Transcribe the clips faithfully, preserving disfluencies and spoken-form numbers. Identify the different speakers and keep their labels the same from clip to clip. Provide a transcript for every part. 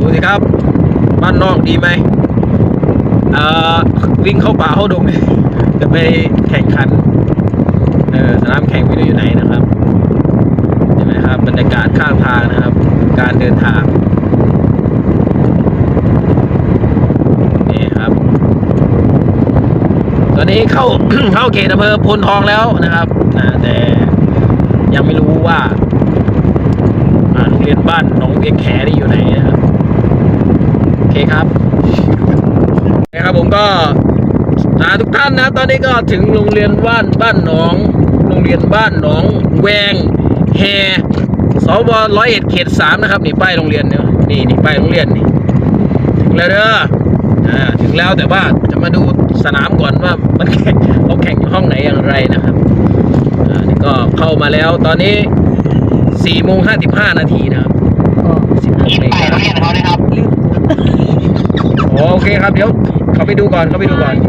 Speaker 1: สิครับบ้านนอกดีไหมเอ่อวิ่งเข้าป่าเข้าดงจะไปแข่งขันเออสนามแข่งไม่รู้อยู่ไหนนะครับเห็นไหมครับบรรยากาศข้างทางนะครับการเดินทางนี่ครับตอนนี้เข้า เข้าเขตอำเภอพลทองแล้วนะครับนะแต่ยังไม่รู้ว่าโรงเรียนบ้านหนองเวียงแขนี่อยู่ไหนนะครับโอเคครับนะครับผมก็ทุกท่านนะตอนนี้ก็ถึงโรงเรียนบ้านบ้านหนองโรงเรียนบ้านหนองแวงแฮสวร้อยเอ็ดเขตสามนะครับนี่ป้ายโรงเรียนเนี่ยนี่นี่ป้ายโรงเรียนนี่ถึงแล้วเด้ออ่าถึงแล้วแต่ว่าจะมาดูสนามก่อนว่ามันแข่งเขาแข่งอยู่ห้องไหนอย่างไรนะครับอ่านี่ก็เข้ามาแล้วตอนนี้สี่โมงห้าสิบห้านาทีนะครับสิบหกนาฬิกาโอเคครับเดี๋ยวเขาไปดูก่อนเขาไปดูก่อน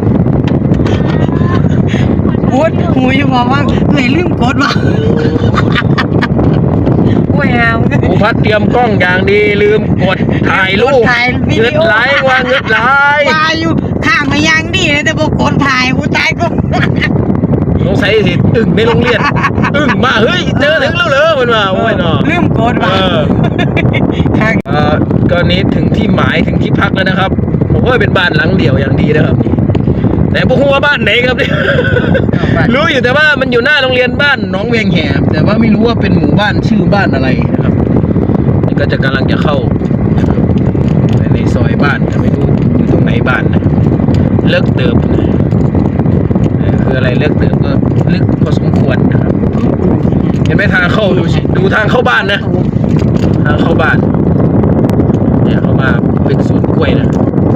Speaker 2: พูดหูอยู่บอกว่าไม่ลืมกดว่ะโอ้ยเอา
Speaker 1: ผู้พัดเตรียมกล้องอย่างดีลืมกดถ่ายรูปเงืดไหลว่าเงืดไหล
Speaker 2: ว่าอยู่ข้างมายังดีเลยแต่บอกกดถ่ายกูตายก็
Speaker 1: สงสัยสิอึ่งในโรงเรียนอึ่งมาเฮ้ยเจอถึงแล้วเหรอมันมาโอ้ยเนาะ
Speaker 2: ลืมกดว่ะ
Speaker 1: เออก็นี้ถึงที่หมายถึงที่พักแล้วนะครับผมว่าเป็นบ้านหลังเดี่ยวอย่างดีนะครับแต่พวกหัวบ้านไหนครับเนี่ยรู้อยู่แต่ว่ามันอยู่หน้าโรงเรียนบ้านหนองเวียงแหบแต่ว่าไม่รู้ว่าเป็นหมู่บ้านชื่อบ้านอะไรนะครับนี่ก็จะกำลังจะเข้าในซอยบ้านแต่ไม่รู้อยู่ตรงไหนบ้านนะเลิกเติมคืออะไรเลิกเติมก็ลึกพอสมควรนะครับเห็นไหมทางเข้าดูสิดูทางเข้าบ้านนะทางเข้าบ้านเนี่ยเข้ามาเป็นสวนกล้วยนะ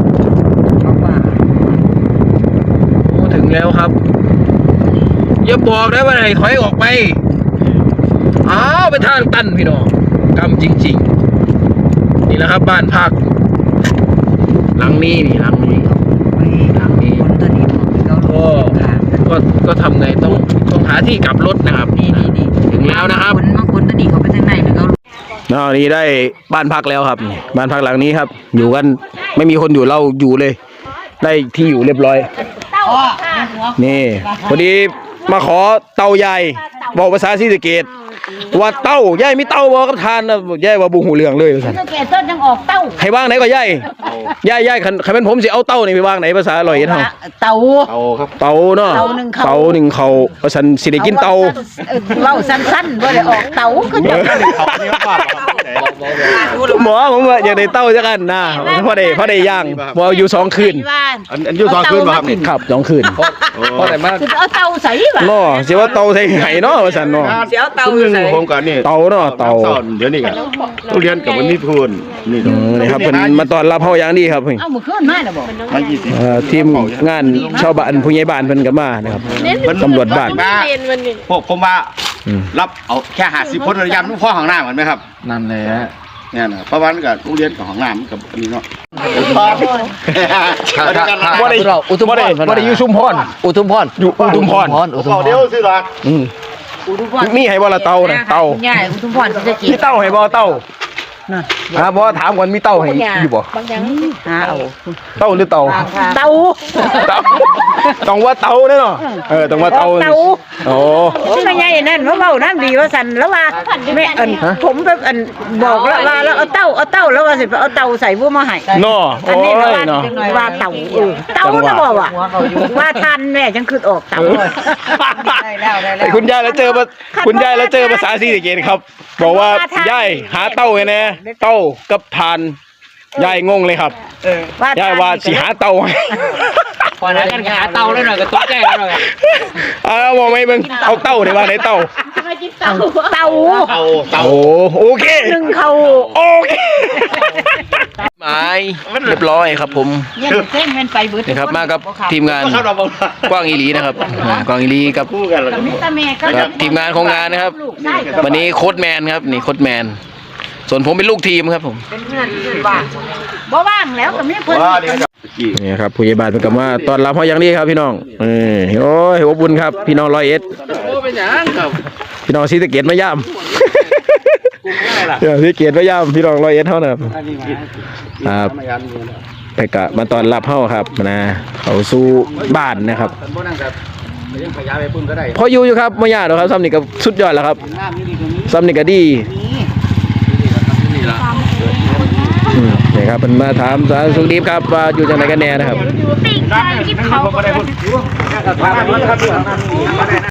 Speaker 1: ถึงแล้วครับอย่าบอกได้ว่าไหนถอยออกไปอ้าวไปทางตันพี่น้องกำจริงๆนี่แหละครับบ้านพักหลังนี้นี่หลังนี้หลังนี้ก็ก็ก็ทำไงต้องต้องหาที่กลับรถนะครับนี่นี่นี่ถึงแล้วนะครับ
Speaker 2: คนบางคนตอนนี้เขาไปทางไหนเลยเขา
Speaker 1: อ๋อนี่ได้บ้านพักแล้วครับบ้านพักหลังนี้ครับอยู่กันไม่มีคนอยู่เราอยู่เลยได้ที่อยู่เรียบร้อยนี่พอดีมาขอเต่าใหญ่บอกภาษาศรีสะเกษว่าเต่าใหญ่ไม่เต่าบอกกับทานนะใหญ่ว่าบุหูเหลืองเลยภาษาศรีสะเกษต้นยังออกเต่าใครว่างไหนก็ใหญ่ใหญ่ใหญ่ใครเป็นผมสิเอาเต่านี่ไปว่างไหนภาษาอร่อยเท่า
Speaker 2: เต่า
Speaker 1: เต่าครับเต่าเนาะเต่าหนึ่งเขาภาษาสิได้กินเต่า
Speaker 2: เล่าสั้นๆว่าได้ออกเต่าก็จะ
Speaker 1: หมอผมว่าอยากได้เต่าจังกันนะพอได้พอได้ย่างพออยู่สองคืน
Speaker 3: อันอันอยู่สองคืนป่ะครับนี่
Speaker 1: ครับสองคืน
Speaker 3: พอได้มาก
Speaker 2: เอาเต่าใส่ป่ะ
Speaker 1: เนาะเสียว่าเต่าใส่ไห่เนาะภาษาเนาะ
Speaker 2: เสียเต่า
Speaker 3: ใส่ผมกันนี่
Speaker 1: เต่าเนาะเต่า
Speaker 3: เดี๋ยวนี้กันทุเรียนกับมันมีทุนนี่
Speaker 1: นี่ครับเป็นมาตอนรับเฮาอย่างดีครับเพิ่น
Speaker 2: เอามื้อคืนมาน่ะบ่
Speaker 1: เอ่อทีมงานชาวบ้านผู้ใหญ่บ้านเพิ่นก็มานะครับตำรวจบ้าน
Speaker 3: พวกผมว่ารับเอาแค่ห้าสิบคนระยำลูกพ่อของหน้าเหมือนไหมครับ
Speaker 1: นั่นแหละ
Speaker 3: เนี่ยนะเพราะว่ากับโรงเรียนกับของน้ำกับอันนี้เนาะ
Speaker 1: บ่ได้อุทุมพรบ่ได้อยู่ชุมพรอุทุมพรอยู่อุทุมพร
Speaker 3: อุทุมพรเดี๋ยวซื้อหรอก
Speaker 1: อืมมีให้บ่ละเต่าน่ะเต่า
Speaker 2: ใหญ่อุทุมพรสิจะกิน
Speaker 1: มีเต่าให้บ่เต่านั่นฮะบ่ถามก่อนมีเต่าให้อยู่บ่
Speaker 2: บางอย่างหาเอา
Speaker 1: เต่าหรือเต่า
Speaker 2: เต่า
Speaker 1: ต้องว่าเต่าเนาะเออต้องว่าเต่าโอ้
Speaker 2: ที่ใหญ่นั่นว่าเว้านั่นดีว่าสั่นแล้วว่าแม่อันผมแบบอันบอกแล้วว่าแล้วเอาเต่าเอาเต่าแล้วว่าสิเอาเต่าใส่บ่มาให้
Speaker 1: เนาะ
Speaker 2: อันนี้ว่าว่าเต่าเออเต่าน่ะบ่ว่าว่าทันแม่จังคือออกเต่า
Speaker 1: ได้แล้วได้แล้วคุณยายแล้วเจอคุณยายแล้วเจอภาษาศรีสะเกษครับบอกว่ายายหาเต่าไงแน่เต่ากับทานยายงงเลยครับยายว่าสิหาเต่า
Speaker 4: พอแล้วกันหาเต่าแล้วหน่อยก็ตกใจแล้วหน่อย
Speaker 1: เอาบอกไม่เบิ่งเอาเต่าได้ว่าไหนเต่า
Speaker 2: เต่าเต่า
Speaker 1: เต่าโอเค
Speaker 2: หนึ่งเขา
Speaker 1: โอเคหมายเรียบร้อยครับผมนี่ครับมากับทีมงานกว้างอีหลีนะครับกว้างอีหลีกับทีมงานของงานนะครับวันนี้โค้ชแมนครับนี่โค้ชแมนส่วนผมเป็นลูกทีมครับผม
Speaker 2: เป็นเพื่อนเพื่อนบ้านบ่ว่างแล้วก็มีเพื่อน
Speaker 1: นี่ครับผู้ใหญ่บ้านเป็นกับว่าตอนรับเขาอย่างนี้ครับพี่น้องเออโอ้ยอบอุ่นครับพี่น้องร้อยเอ็ดพี่น้องศรีสะเกษมาย่ำเดี๋ยวพี่เกียรติพยายามพี่รองร้อยเอ็ดเท่านะครับครับไปกะมาตอนรับเฮาครับนะเขาสู้บ้านนะครับพออยู่อยู่ครับไม่ยากหรอกครับซ้ำนี่ก็สุดยอดแล้วครับซ้ำนี่ก็ดีอืมนี่ครับเป็นมาถามสารสุขดีครับว่าอยู่จังไหนกันแน่นะครับ
Speaker 5: ปีกไก่ที่เขา